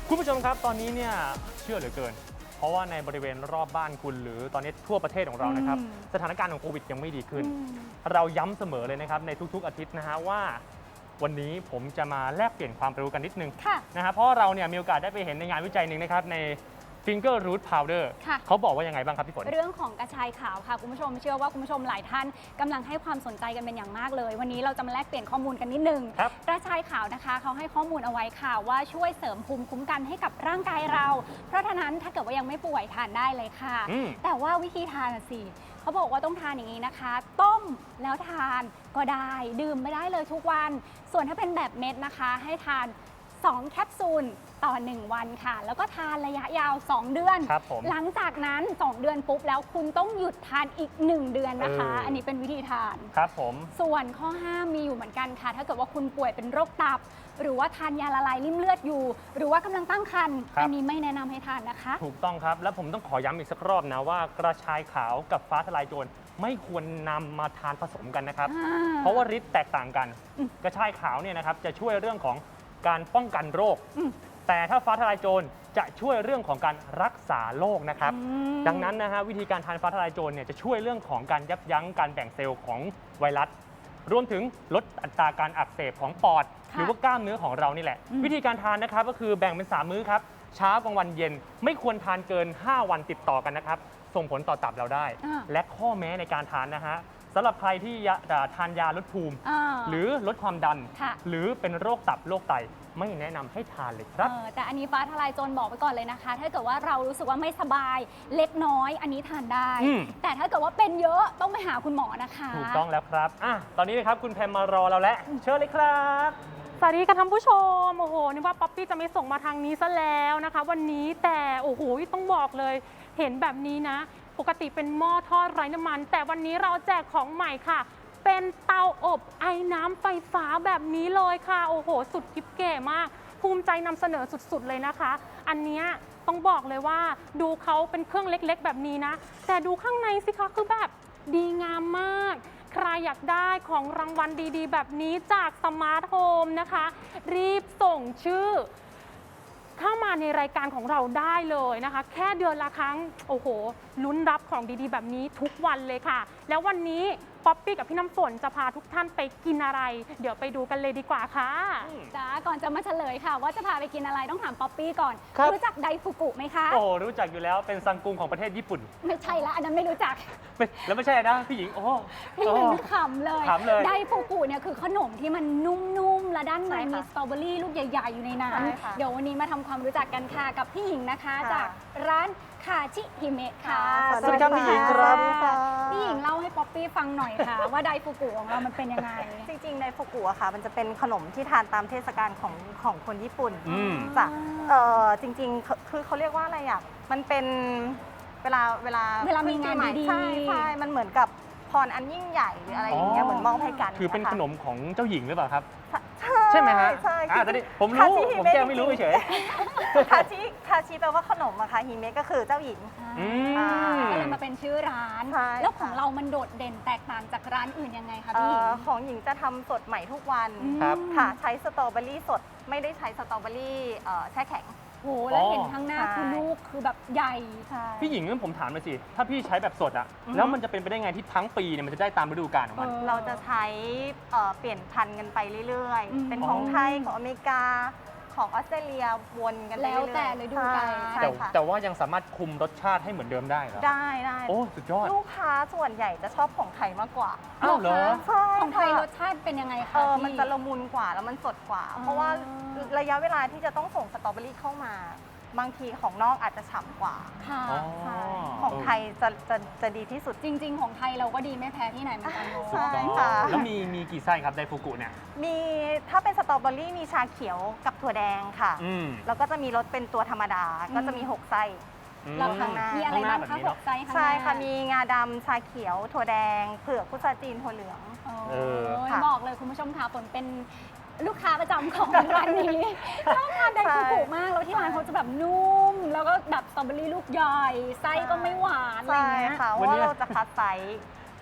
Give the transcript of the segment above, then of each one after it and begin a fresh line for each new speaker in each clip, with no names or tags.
คุณผู้ชมครับตอนนี้เนี่ยเชื่อเหลือเกินเพราะว่าในบริเวณรอบบ้านคุณหรือตอนนี้ทั่วประเทศของเรานะครับสถานการณ์ของโควิดยังไม่ดีขึ้นเราย้ำเสมอเลยนะครับในทุกๆอาทิตย์นะฮะว่าวันนี้ผมจะมาแลกเปลี่ยนความรู้กันนิดนึงนะฮะเพราะเราเนี่ยมีโอกาสได้ไปเห็นในงานวิจัยหนึ่งนะครับใน Finger Root Powder เขาบอกว่ายังไงบ้างครับพี่ฝน
เรื่องของกระชายขาวค่ะคุณผู้ชมเชื่อว่าคุณผู้ชมหลายท่านกำลังให้ความสนใจกันเป็นอย่างมากเลยวันนี้เราจะมาแลกเปลี่ยนข้อมูลกันนิดนึงกระชายขาวนะคะเขาให้ข้อมูลเอาไว้ค่ะว่าช่วยเสริมภูมิคุ้มกันให้กับร่างกายเราเพราะฉะนั้นถ้าเกิดว่ายังไม่ป่วยทานได้เลยค่ะแต่ว่าวิธีทานสิเขาบอกว่าต้องทานอย่างนี้นะคะต้มแล้วทานก็ได้ดื่มไม่ได้เลยทุกวันส่วนถ้าเป็นแบบเม็ดนะคะให้ทาน2 แคปซูลต่อ 1 วันค่ะแล้วก็ทานระยะยาว 2 เดือนหลังจากนั้น 2 เดือนปุ๊บแล้วคุณต้องหยุดทานอีก 1 เดือนนะคะอันนี้เป็นวิธีทาน
ครับผม
ส่วนข้อห้ามมีอยู่เหมือนกันค่ะถ้าเกิดว่าคุณป่วยเป็นโรคตับหรือว่าทานยาละลายริ่มเลือดอยู่หรือว่ากำลังตั้งครรภ์อันนี้ไม่แนะนำให้ทานนะคะ
ถูกต้องครับแล้วผมต้องขอย้ำอีกสักรอบนะว่ากระชายขาวกับฟ้าทลายโจรไม่ควรนำมาทานผสมกันนะครับเพราะว่าฤทธิ์แตกต่างกันกระชายขาวเนี่ยนะครับจะช่วยเรื่องของการป้องกันโรคแต่ถ้าฟ้าทลายโจรจะช่วยเรื่องของการรักษาโรคนะครับดังนั้นนะฮะวิธีการทานฟ้าทลายโจรเนี่ยจะช่วยเรื่องของการยับยั้งการแบ่งเซลล์ของไวรัสรวมถึงลดอัตราการอักเสบของปอดหรือว่ากล้ามเนื้อของเรานี่แหละวิธีการทานนะครับก็คือแบ่งเป็น3มื้อครับเช้ากลางวันเย็นไม่ควรทานเกิน5 วันติดต่อกันนะครับส่งผลต่อตับเราได้และข้อแม้ในการทานนะฮะสำหรับใครที่ทานยาลดภูมิหรือลดความดันหรือเป็นโรคตับโรคไตไม่แนะนำให้ทานเลยครับ
แต่อันนี้ฟ้าทลายโจรบอกไว้ก่อนเลยนะคะถ้าเกิดว่าเรารู้สึกว่าไม่สบายเล็กน้อยอันนี้ทานได้แต่ถ้าเกิดว่าเป็นเยอะต้องไปหาคุณหมอนะคะ
ถูกต้องแล้วครับตอนนี้นะครับคุณแพมมารอเราแล้วเชิญเลยครับ
สวัสดีค่ะท่านผู้ชมโอ้โหนึกว่าป๊อปปี้จะไม่ส่งมาทางนี้ซะแล้วนะคะวันนี้แต่โอ้โหต้องบอกเลยเห็นแบบนี้นะปกติเป็นหม้อทอดไร้น้ำมันแต่วันนี้เราแจกของใหม่ค่ะเป็นเตาอบไอ้น้ำไฟฟ้าแบบนี้เลยค่ะโอ้โหสุดกิ๊บเก๋มากภูมิใจนำเสนอสุดๆเลยนะคะอันนี้ต้องบอกเลยว่าดูเขาเป็นเครื่องเล็กๆแบบนี้นะแต่ดูข้างในสิคะคือแบบดีงามมากใครอยากได้ของรางวัลดีๆแบบนี้จากสมาร์ทโฮมนะคะรีบส่งชื่อเข้ามาในรายการของเราได้เลยนะคะแค่เดือนละครั้งโอ้โหลุ้นรับของดีๆแบบนี้ทุกวันเลยค่ะแล้ววันนี้ป๊อปปี้กับพี่น้ำฝนจะพาทุกท่านไปกินอะไรเดี๋ยวไปดูกันเลยดีกว่าค่ะ
จ้าก่อนจะมาเฉลยค่ะว่าจะพาไปกินอะไรต้องถามป๊อปปี้ก่อนรู้จักไดฟุกุไหมคะ
โอ้รู้จักอยู่แล้วเป็นซังกุงของประเทศญี่ปุ่น
ไม่ใช่ละอันนั้นไม่รู้จัก
แล้วไม่ใช่นะพี่หญิง
พี่หญิงขำเลยไดฟุกุเนี่ยคือขนมที่มันนุ่มๆและด้านในมีสตรอเบอรี่ลูกใหญ่ๆอยู่ในนั้นเดี๋ยววันนี้มาทำความรู้จักกันค่ะกับพี่หญิงนะคะจากร้านคาชิฮิเมะค่ะ
สวัสดีครับพี่หญิงครับ
พี่หญิงเล่าให้ป๊อปปี้ฟังหน่อยค่ะว่าไดฟุกุของเรามันเป็นยังไง
จริงๆไดฟุกุอะค่ะมันจะเป็นขนมที่ทานตามเทศกาลของคนญี่ปุ่นจ้ะจริงๆคือเขาเรียกว่าอะไรอ่ะมันเป็นเวลา
มีงานดี
ใช่มันเหมือนกับพรอันยิ่งใหญ่หรืออะไรอย่างเงี้ยเหมือนมอบให้กัน
คือเป็นขนมของเจ้าหญิงหรือเปล่าครับ
ใช่
ไหมฮะ
ใช่
ตอนนี้ผมรู้ผมแก้ไม่รู้เฉย
คาชิแปลว่าขนมอะค่ะฮิเมะก็คือเจ้าหญิง
ก็เลยมาเป็นชื่อร้านแล้วของเรามันโดดเด่นแตกต่างจากร้านอื่นยังไงคะพี่หญิง
ของหญิงจะทำสดใหม่ทุกวันค่ะใช้สตรอเบอรี่สดไม่ได้ใช้สตรอเบอรี่แช่แข็ง
โอ้แล้วเห็นข้างหน้าคือลูกคือแบบใหญ่
พี่หญิงงั้นผมถามเลยสิถ้าพี่ใช้แบบสดอะแล้วมันจะเป็นไปได้ไงที่ทั้งปีเนี่ยมันจะได้ตามฤดูกาลของมัน
เราจะใช้เปลี่ยนพันธุ์กันไปเรื่อยๆเป็นของไทยของอเมริกาของออสเตรเลียวนกัน
แล้วแต่ฤดูกาล
แต่ว่ายังสามารถคุมรสชาติให้เหมือนเดิมได้เหรอ
ได้
โอ้สุดยอด
ลูกค้าส่วนใหญ่จะชอบของไทยมากกว่า
อ้าวเหรอ
ใช่
ของไทยรสชาติเป็นยังไงคะ
มันจะละมุนกว่าแล้วมันสดกว่าเพราะว่าระยะเวลาที่จะต้องส่งสตรอเบอรี่เข้ามาบางทีของนอกอาจจะฉ่ำกว่าของไทยจะดีที่สุด
จริงๆของไทยเราก็ดีไม่แพ้ที่ไหนเหมือนกัน
ใช่ค่ะ
แล้วมีกี่ไส้ครับไดฟุกุเนี่ย
มีถ้าเป็นสตรอเบอรี่มีชาเขียวกับถั่วแดงค่ะแล้วก็จะมีรสเป็นตัวธรรมดาก็จะมี6ไส้
แล้วข้างหน้ามีอะไรบ้างคะ6ไส้
ใช่ค่ะมีงาดำชาเขียวถั่วแดงเผือกพุทราจีนถั่วเหลือง
บอกเลยคุณผู้ชมค่ะฝนเป็นลูกค้าประจำของร้านนี้ชอบทานไดฟุกุมากแล้วที่ร้านเขาจะแบบนุ่มแล้วก็แบบสตรอเบอรี่ลูกใหญ่ไส้ก็ไม่หวานอะไร
เงี้ย
ค่ะ
ว่าเราจะคัดไซส์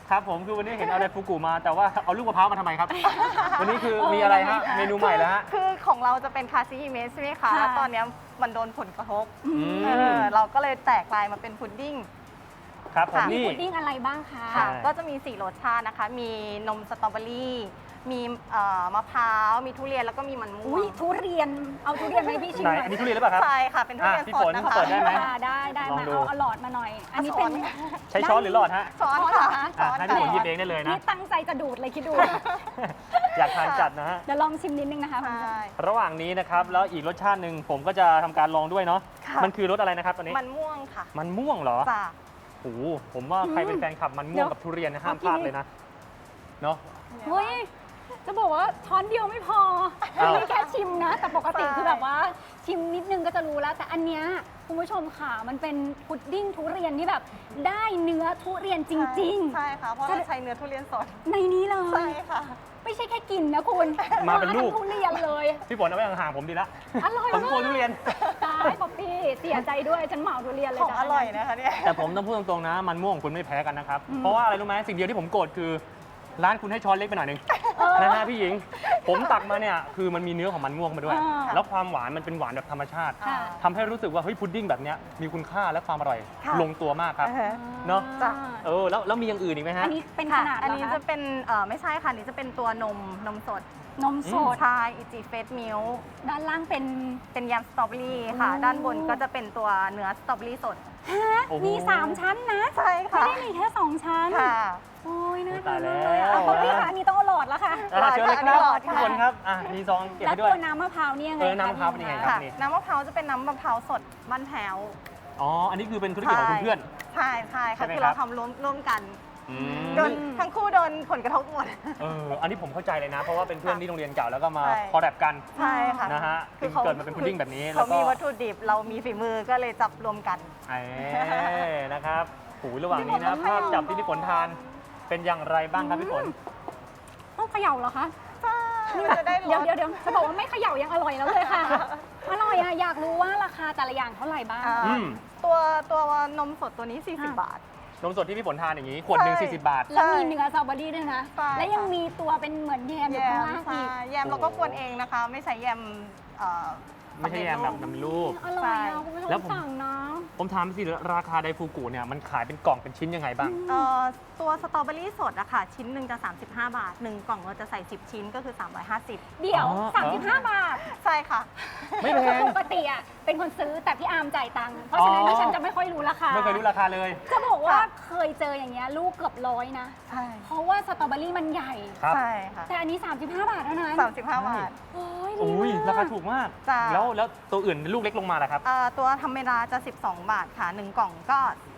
ครับผมคือวันนี้เห็นเอาไดฟูกุมาแต่ว่าเอาลูกมะพร้าวมาทำไมครับ วันนี้คือมีอะไรฮะเมนูใหม่แล้วฮะ
คือของเราจะเป็นคาซิฮิเมะใช่ไหมคะ
ค่ะ
ตอนเนี้ยมันโดนผลกระทบ
ม
เราก็เลยแตกลายมาเป็นพุดดิ้ง
ครับผม
ค่ะ
นี่
พุดดิ้งอะไรบ้างคะ
ค่ะ
ใช่
ก็จะมี 4 รสชาตินะคะ มีนมสตรอเบอรี่ มีมะพร้าว มีทุเรียน แล้วก็มีมันม่ว
อุ้ย
ง
ทุเรียน เอาทุเรียนไหมพี่ชิม
ไหน
หน่อย
อันนี้ทุเรียนหรือเปล่าครับ
ใช่ค่ะ เป็นทุเรียน
พี่
ส
ฝ
ด
น
นะคะ
เปิดได้ไหม
ได้
ลอง
มา
ดู
เอาหลอดมาหน่อย อันนี้เป็น
ใช้ช้อนหรือหลอดฮะ
ช้อน
ช้อนเหรอ
ค่ะ
คะ
ช้อน
ให้พี่ฝนหยิบ
ค่ะ
เองได้เลยนะ
นี่ตั้งใจจะดูดเลยคิดดู
อยากทานจัดนะฮะ
เดี๋ยวลองชิมนิดนึงนะคะคุณผู้ชม
ใช่
ระหว่างนี้นะครับแล้วอีกรสชาติหนึ่งผมก็จะทำการลองด้วยเนาะ
ค่ะ
มันคือรสอะไรนะครับตอนนี้
มันม่วงค่ะ
มันม่วงเหรอ
จ้ะ
โอ้โหผมว่าใครเป็นแฟนคลับมันม่วงกับทุเรียนนะห้ามพลาดเลยนะเนาะ
เฮ้ย จะบอกว่าช้อนเดียวไม่พอ
อ้าว
นี่แค่ชิมนะ แต่ปกติ
ใช่
คือแบบว่าชิมนิดนึงก็จะรู้แล้ว แต่อันเนี้ยคุณผู้ชมค่ะ มันเป็นพุดดิ้งทุเรียนที่แบบได้เนื้อทุเรียนจริง
ใช่ค่ะ เพราะเราใช้เนื้อทุเรียนสด
ๆ ในนี้เล
ใช่
ย
ค่ะ
ไม่ใช่แค่กินนะคุณ
มาเป็นลูก
ทั้งทุเรียนเลย
พี่ฝนเอาไว้ห่างๆผมดีละ
อร่อย
ผมกลัวทุเรียน
ตายป๊อปปี้เสียใจด้วยฉันเหมาทุเรียนเลย
ของ
จ้ะ
อร่อยนะคะเนี่ย
แต่ผมต้องพูดตรงๆนะ มันม่วงคุณไม่แพ้กันนะครับ
อืม
เพราะว่าอะไรรู้ไหมสิ่งเดียวที่ผมโกรธคือ ร้านคุณให้ช้อนเล็กไปหน่อยหนึงนะฮะพี่หญิง ผมตักมาเนี่ยคือมันมีเนื้อของมันม่วงมาด้วย แล้วความหวานมันเป็นหวานแบบธรรมชาติ
ค่ะ
ทำให้รู้สึกว่าเฮ้ยพุดดิ้งแบบเนี้ยมีคุณค่าและความอร่อย
ค่ะ
ลงตัวมากครับ
อ่าฮะ
เนอะ
จ้ะ
แล้วมีอย่างอื่นอีกไหมฮะ
อันนี้เป็นข
ค่ะ
นาด
อัน
เหร
นี้
อ
จะ
คะ
เป็นไม่ใช่ค่ะอันนี้จะเป็นตัวนมสด
นมสด
ใช่อิจิเฟสมิล
ด้านล่างเป็น
เป็นยำสตรอเบอรี่ค่ะ
โอ้
ด้านบนก็จะเป็นตัวเนื้อสตรอเบอรี่สด
ฮะ
โอ้โห
มี 3 ชั้นนะ
ใช่
ไม่
ค่ะ
ได้มีแค่ 2 ชั้น
ค่ะ
โอ้ยน่า
ตา
ทาย น
แล้ว
มากเลยอ่ะป๊อปปี้ค่ะอันนี้ต้องเอาหลอดแล้วค่ะ
เชิญเลยครับ
หลอดค่ะ
ทุกคนครับมีซองเก็บ
แล้ว
ให้ด้ว
ตั
ย
วน้ำมะพร้าวเนี่ยยังไง
น้ำมะพร้าวเป็นยังไง
ค่ะ
นี่
น้ำมะพร้าวจะเป็นน้ำมะพร้าวสดบ้านแพ้ว
อ๋ออันนี้คือเป็นธุรกิจของคุณเพื่อน
ใช่ใช่
ใช่
ค่ะ
ไหม
คือ
ครั
เรา
บ
ทำร่วมกัน
อืม
โดนทั้งคู่โดนผลกระทบหมด
อันนี้ผมเข้าใจเลยนะ เพราะว่าเป็นเพื่อนที่โรงเรียนเก่าแล้วก็มา
ใช่
คอลแลบกัน
ใช่ค่ะ
นะฮะ
คือ
เกิดมาเป็นพุดดิ้งแบบนี้แล้ว
เขา
ก็
มีวัตถุดิบเรามีฝีมือก็เลยจับรวมกัน
นะครับหูระหว่างนี้นะ
พี่ฝน
ภาพ
ต้อง
จับที่พี่ฝนทานเป็นอย่างไรบ้างครับพี่ฝน
ต้องเขย่าเหรอคะ
ใช่จะได้ร
เดี๋ยว
ส
เดี๋ยวจะบอกว่าไม่เขย่ายังอร่อยแล้วเลยค่ะ อร่อยอะอยากรู้ว่าราคาแต่ละอย่างเท่าไหร่บ้าง
อ่า
อืม
ตัวนมสดตัวนี้ 40 บาท
นมสดที่พี่ฝนทานอย่างนี้ ขวดหนึ่ง
ใช่
40 บาท
แล้วมีเนื้อสตรอเบอรี่ด้วยนะ
ใช่
และยังมีตัวเป็นเหมือนแยมอยู่
แย
ข้าง
ม
ล่าง
ใช่
อีก
แยมเราก็กวนเองนะคะ ไม่ใช้แยม
ไม่ใช่แยมแบบนำรูป
อร่อยอะคุณผู้ช
แล้ว
ม
ผม
สั่งนะ
ผมถามสิราคาไดฟูกุเนี่ยมันขายเป็นกล่องเป็นชิ้นยังไงบ้าง
ตัวสตรอเบอรี่สดอะค่ะ ชิ้นหนึ่งจะ 35 บาท 1 กล่องเราจะใส่ 10 ชิ้นก็คือ 350
เดี๋ยว
อ๋อ
35 บาท
ใช่ค่ะ
ไม่แพง
ปกติอะเป็นคนซื้อแต่พี่อาร์มจ่ายตังค์เพราะฉะนั้น
อ๋อ
ดิฉันจะไม่ค่อยรู้ราคา
ไม่เคยรู้ราคาเลย
จะบอกว่า
ค่ะ
เคยเจออย่างเงี้ยลูกเกือบ100นะ
ใช่
เพราะว่าสตรอเบอรี่มันใหญ่
ครับ
ใช่ค่ะ
แต่อันนี้ 35 บาทเท่านั้น
35 บาท
โอ้ย
โอ้ย
ดีมก
ราคาถูกมาก
จ้ะ
แล้วตัวอื่นลูกเล็กลงมาล่ะครับ
ตัวธรรมดาจะ 12 บาทค่ะ 1 กล่องก็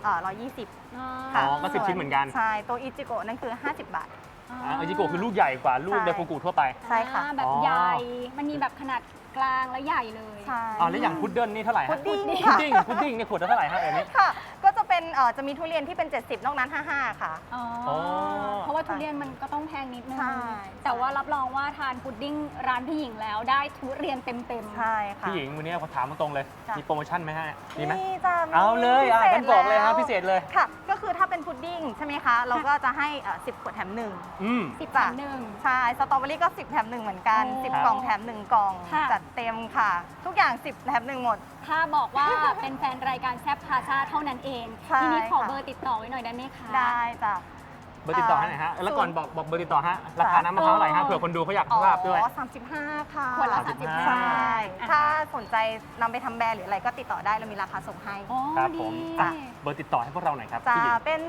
120
อ๋
ค่ะ
อก็10ชิ้นเหมือนกัน
ใช่ ตัวอิจิโกะนั่นคือ 50 บาท
อิจิโกะคือลูกใหญ่กว่าลูก
ใช่
ไดฟูกุทั่วไป
ใช่ค่ะ
แบบ
อ๋อ
ใหญ่ มันมีแบบขนาดกลางและใหญ่เลย
ใช่
แล้วอย่างพุดเดิ้ลนี่เท่าไหร่
พุ
ฮะ
ดดิ้ง
พุด
ค่ะ
ดิ้งพุดดิ้งเนี่ยขวดละเท่าไหร่ฮะแบบนี้
ค่ะ ก็จะเป็นจะมีทุเรียนที่เป็น 70 นอกนั้น 55 ค่ะ
อ๋อ
อ๋อ
เพราะว่าทุเรียนมันก็ต้องแพงนิดนึง
ใช่
แต่ว่ารับรองว่าทานพุดดิ้งร้านพี่หญิงแล้วได้ทุเรียนเต็มๆ
ใช่ค่ะ
พี่หญิงวันนี้ขอถามตรงๆเลย
จ้ะ
มีโปรโมชั่นไหมฮะมีไหม
นี่จ้ะมี
เอาเลย
พิศษ
งั้นบอกเลยฮะ
แว
พิเศษเลย
ค่ะ ก็คือถ้าเป็นพุดดิ้งใช่ไหมคะ เราก็จะให้10 ขวดแถม 1
อืม
10
จ้ะ
หนึ่ง
ใช่ สตรอเบอรี่ก็ 10 แถม 1 เหมือนกัน
โอ้
10 กล่องแถม 1 กล่อง
ค่ะ
จัดเต็มค่ะ ทุกอย่าง 10 แถม 1 หมด
ถ้าบอกว่าเป็นแฟนรายการแซบพาซาเท่านั้นเอง
ใช่
ทีนี้ขอ
ค่ะ
เบอร์ติดต่อไว้หน่อยได้ไหมคะ
ได้จ้ะ
เบอร์ติดต่อให้หน่อยฮะ แล้วก่อนบอกเบอร์ติดต่อฮะ ราคาน้ำมะพร้าวเท่าไหร่ฮะ เผื่อคนดูเขาอยากทราบด้วย
35 ค่ะ
ขวดละ
35
ใช่
อ่ะ
ถ้าสนใจนำไปทำแบรนด์หรืออะไรก็ติดต่อได้เรามีราคาส่งให้
อ๋อ
ครับ
ดี
ผม
จ้ะ
เบอร์ติดต่อให้พวกเราหน่อยครับ
จะ
พี่หญิง
เป็น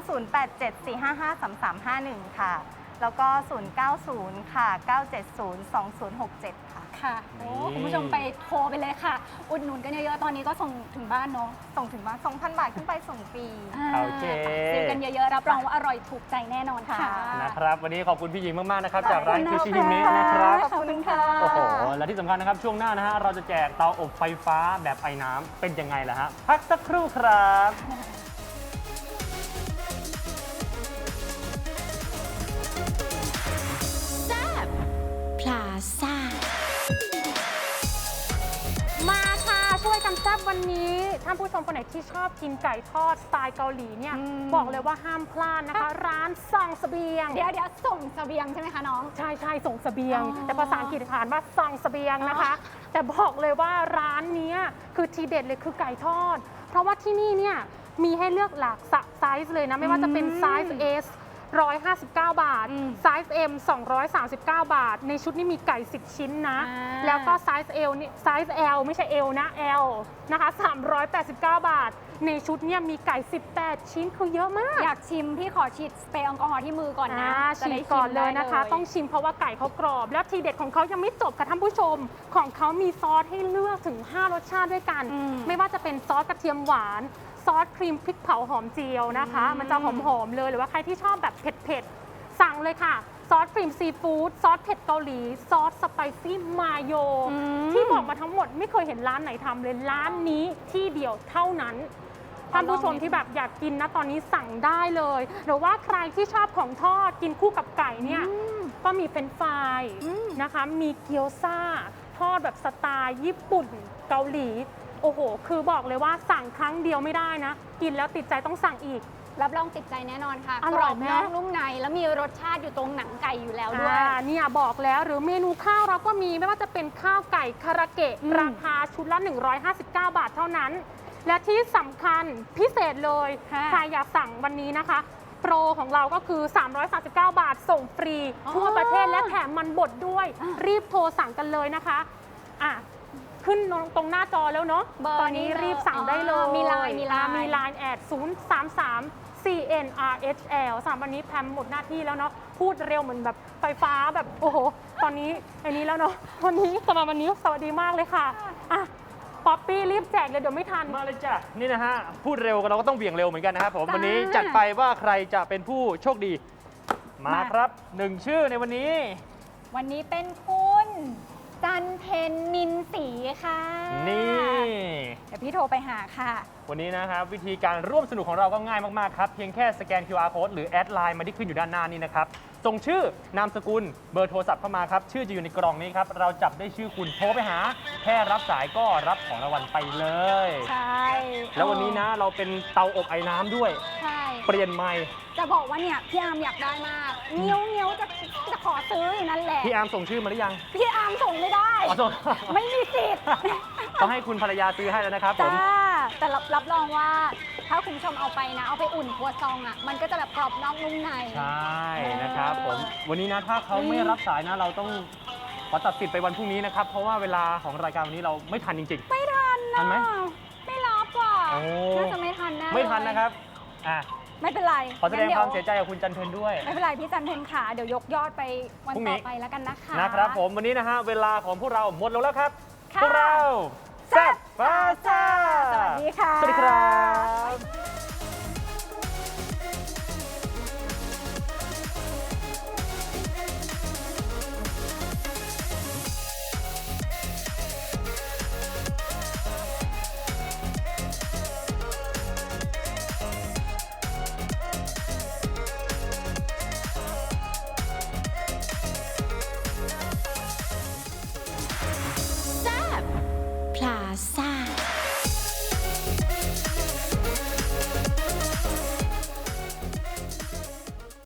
0874553351 ค่ะ แล้วก็ 090 ค่ะ 970 2067 ค่ะ
ค่ะโอ้
นี่
คุณผู้ชมไปโทรไปเลยค่ะ อุดหนุนกันเยอะๆ ตอนนี้ก็ส่งถึงบ้านเนาะ
ส่งถึงบ้าน 2,000 บาทขึ้นไปส่งฟรี
โอเค
ซื้อกันเยอะๆ รับรองว่าอร่อยถูกใจแน่นอนค่ะ
ค่ะ
นะครับ วันนี้ขอบคุณพี่หญิงมาก ๆ นะครับ
ขอบ
จากร้าน
คุณ
คิว
ค่ะ
ชิฮิเมะนะครับ
ขอบคุณค่ะ
โอ้โห และที่สำคัญนะครับ ช่วงหน้านะฮะ เราจะแจกเตาอบไฟฟ้าแบบไอ้น้ำเป็นยังไงล่ะฮะ พักสักครู่ครับ
พลาซ่า มาค่ะ เ
ช่วยกันแซ่บวันนี้ท่านผู้ชมคนไหนที่ชอบกินไก่ทอดสไตล์เกาหลีเนี่ยบอกเลยว่าห้ามพลาดนะคะ ร้านส่งเสบียง
เดี๋ยวส่งเสบียงใช่ไหมคะน้อง
ใช่ส่งเสบียง
อ๋อ
แต่ภาษาอังกฤษอ่านว่าส่งเสบียงนะคะ แต่บอกเลยว่าร้านเนี้ยคือทีเด็ดเลยคือไก่ทอด เพราะว่าที่นี่เนี่ยมีให้เลือกหลากไซส์เลยนะ ไม่ว่าจะเป็นไซส์ S 159 บาท ไซส์ M 239 บาท ในชุดนี้มีไก่ 10 ชิ้นนะ แล้วก็ไซส์ L นี่ไซส์ L ไม่ใช่ L นะ L นะคะ389 บาท ในชุดเนี่ยมีไก่ 18 ชิ้นคือเยอะมาก
อยากชิมพี่ขอฉีดสเปรย์แอลกอฮอล์ที่มือก่อนนะจะ
ฉี
ได้
ดก่อนเลยนะคะ
ได้
ต้องชิมเพราะว่าไก่เขากรอบ แล้วทีเด็ดของเขายังไม่จบค่ะท่านผู้ชม ของเขามีซอสให้เลือกถึง 5 รสชาติด้วยกัน ไม่ว่าจะเป็นซอสกระเทียมหวาน ซอสครีมพริกเผาหอมเจียวนะคะ มันจะหอมๆเลย หรือว่าใครที่ชอบแบบเผ็ดๆ สั่งเลยค่ะ ซอสครีมซีฟู้ด ซอสเผ็ดเกาหลี ซอสสไปซี่มาโย ที่บอกมาทั้งหมดไม่เคยเห็นร้านไหนทำเลย ร้านนี้ที่เดียวเท่านั้น ท่านผู้ชมที่แบบอยากกินนะตอนนี้สั่งได้เลย หรือว่าใครที่ชอบของทอดกินคู่กับไก่เนี่ยก็มีเป็นไฟรายนะคะ มีเกี๊ยวซ่า ทอดแบบสไตล์ญี่ปุ่นเกาหลี โอ้โห คือบอกเลยว่าสั่งครั้งเดียวไม่ได้นะ กินแล้วติดใจต้องสั่งอีก
รับรองติดใจแน่นอนค่ะ
อก ร่
ร
อ
อย บ
ไหม
นอกนุ่มในแล้วมีรสชาติอยู่ตรงหนังไก่อยู่แล้วด้วย
เนี่ยบอกแล้วหรือเมนูข้าวเราก็มีไม่ว่าจะเป็นข้าวไก่คาราเกะ ราคาชุดละ 159 บาทเท่านั้น และที่สำคัญพิเศษเลย
ค่ะ
ใครอยากสั่งวันนี้นะคะ โปรของเราก็คือ 339 บาทส่งฟรี ทั่วประเทศและแถมมันบดด้วย รีบโทรสั่งกันเลยนะคะอ่ะขึ้นตรงหน้าจอแล้วเนาะ
เบอร์
ตอนนี้รีบสั่งได้เลย
มีไลน์
มีไลน์แอด033 CNRHL สามวันนี้แพมหมดหน้าที่แล้วเนาะพูดเร็วเหมือนแบบไฟฟ้าแบบโอ้โห ตอนนี้อันนี้แล้วเนาะวันนี้สำหรับวันนี้สวัสดีมากเลยค่ะอ่ะป๊อปปี้รีบแจกเลยเดี๋ยวไม่ทัน
มาเลยจ้ะนี่นะฮะพูดเร็วเราก็ต้องเบี่ยงเร็วเหมือนกันนะครับผม
จ้า
วันนี้จัดไปว่าใครจะเป็นผู้โชคดี มา
มา
ครับหนึ่งชื่อในวันนี้
วันนี้เป็นคุณจันเพ็ญนินศรีค่ะ
นี่
เดี๋ยวพี่โทรไปหาค่ะ
วันนี้นะครับวิธีการร่วมสนุกของเราก็ง่ายมากๆครับเพียงแค่สแกน QR code หรือแอดไลน์มาที่ขึ้นอยู่ด้านหน้านี้นะครับส่งชื่อนามสกุลเบอร์โทรศัพท์เข้ามาครับชื่อจะอยู่ในกล่องนี้ครับเราจับได้ชื่อคุณโทรไปหาแค่รับสายก็รับของรางวัลไปเลย
ใช่
แล้ววันนี้นะเราเป็นเตาอบไอ้น้ำด้วย
ใช่
เปลี่ยนใหม่
จะบอกว่าเนี่ยพี่อาร์มอยากได้มากเงี้ยวจะขอซื้ออยู่นั่นแหละ
พี่อาร์มส่งชื่อมาหรือยัง
พี่อาร์มส่งไม่ได้
อ๋อส่ง
ไม่มีสิทธิ์
ต้องให้คุณภรรยาซื้อให้แล้วนะครับผม
จ้าแต่รับรองว่าถ้าคุณผู้ชมเอาไปนะ เอาไปอุ่นครัวซองอ่ะ มันก็จะแบบกรอบนอกนุ่มใน
ใช่นะครับผมวันนี้นะถ้าเขาไม่รับสายนะเราต้องขอตัดสิทธิ์ไปวันพรุ่งนี้นะครับ เพราะว่าเวลาของรายการวันนี้เราไม่ทันจริง
ไม่ทัน
ทั
นะ
นไหม
ไม่รับว่ะ
โอ้
น่าจะไม่ทันแน่
ๆ ไม่ทันนะครับอ่ะ
ไม่เป็นไร
ขอแสดง
งั้น
ความเสียใจกับคุณจันเพ็ญด้วย
ไม่เป็นไรพี่จันเพ็ญขาเดี๋ยวยกยอดไปวัน
พรุ่งนี้
ต่อไปแล้วกันนะคะ
นะครับผมวันนี้นะฮะเวลาของพวกเราหมดลงแล้วครับ
ค่ะ
พวกเรา